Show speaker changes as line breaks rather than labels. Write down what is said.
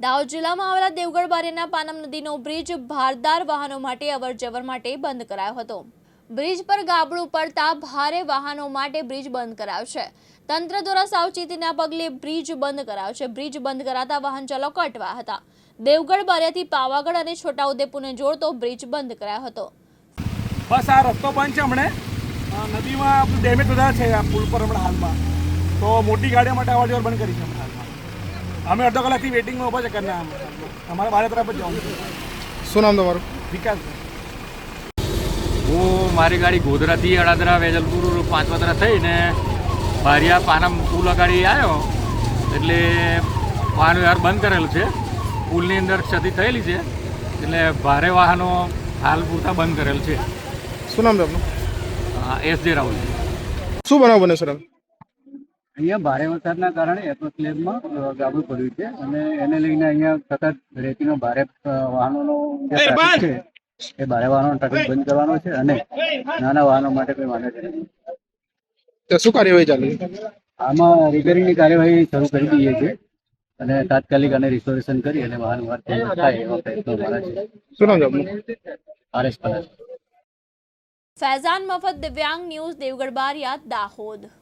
દાહોદ જિલ્લામાં આવેલા દેવગઢ બારિયાના પાનમ નદીનો બ્રિજ ભારદાર વાહનો માટે અવરજવર માટે બંધ કરાયો હતો। બ્રિજ પર ગાબડું પડતા ભારે વાહનો માટે બ્રિજ બંધ કરાયો છે। તંત્ર દ્વારા સાવચેતીના પગલે બ્રિજ બંધ કરાયો છે। બ્રિજ બંધ કરાતા વાહન ચાલકો અટવાયા હતા। દેવગઢ બારિયાથી પાવાગઢ અને છોટાઉદેપુરને જોડતો બ્રિજ બંધ કરાયો હતો।
બસ આ રસ્તો બંધ છે। હમણે નદીમાં ડેમેજ વધારે છે આ પુલ પર હમણાં હાલમાં, તો મોટી ગાડીઓ માટે અવરજવર બંધ કરી છે હમણાં હાલમાં। અમે અડધો કલાકથી વેટિંગમાં ઊભા છે કરના અમારે બારે તરફ જ જવાનું છે।
શું નામ તમારું?
વિકાસ।
હું મારી ગાડી ગોધરાથી અડાદરા વેજલપુર પાંચવતરા થઈને બારિયા પાનમ પુલ અગાડી આવ્યો એટલે વાહન વ્યવહાર બંધ કરેલો છે। પુલની અંદર ક્ષતિ થયેલી છે એટલે ભારે વાહનો હાલ પૂરતા બંધ કરેલ છે।
શું નામ છે આપનું?
એસ.જે. રાહુલ।
શું બનાવ બને સર?
અહીંયા ભારે વરસાદના કારણે એપ્રોસ્લેબમાં ગાબડું પડ્યું છે અને એને લઈને અહીંયા સતત રેતીનો ભારે વાહનોનો જે ટ્રાફિક છે એ ભારે વાહનોનો ટ્રાફિક બંધ કરવાનો છે અને નાના વાહનો માટે કોઈ વાંધો નથી।
તો શું કાર્યવાહી ચાલે છે?
આમાં રિપેરિંગની કાર્યવાહી શરૂ કરી દઈએ છીએ અને તાત્કાલિક અને રિસ્ટોરેશન કરી અને વાહન વ્યવહાર થાય એવા પ્રયત્નો અમારા છે।
શું નામ છે આપનું?
આર.એસ. પટેલ।
ફૈઝાન મફત દિવ્યાંગ ન્યૂઝ દેવગઢ બારિયા દાહોદ।